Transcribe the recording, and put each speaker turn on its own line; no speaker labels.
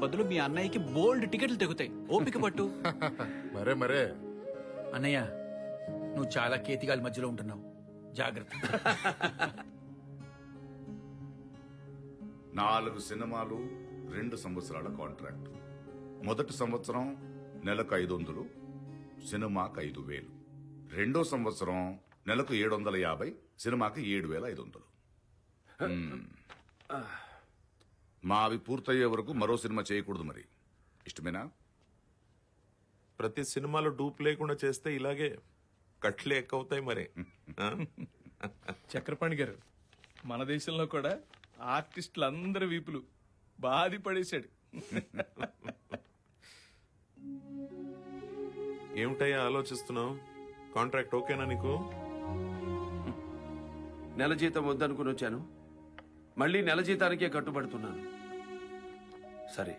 బదులు మీ అన్నయ్యకి బోల్డ్ టికెట్లు తెగుతాయి. ఓపిక పట్టు.
మరే
అన్నయ్య నువ్వు చాలా కేతిగాలి మధ్యలో ఉంటున్నావు, జాగ్రత్త.
4 సినిమాలు 2 సంవత్సరాల కాంట్రాక్ట్. మొదటి సంవత్సరం నెలకు 500, సినిమాకి 5000. రెండో సంవత్సరం నెలకు 750, సినిమాకి 7500. మావి పూర్తయ్యే వరకు మరో సినిమా చేయకూడదు. మరి ఇష్టమేనా?
ప్రతి సినిమాలో డూప్ లేకుండా చేస్తే ఇలాగే కట్లే ఎక్కువతాయి మరి. ఆ?
చక్రపాణి గారు, మన దేశంలో కూడా ఆర్టిస్టులు అందరి వీపులు బాధి పడేశాడు.
ఏమిటయ్యా ఆలోచిస్తున్నావు? కాంట్రాక్ట్ ఓకేనా నీకు?
నెల జీతం వద్దనుకుని వచ్చాను, మళ్ళీ నెల జీతానికే కట్టుబడుతున్నాను. సరే,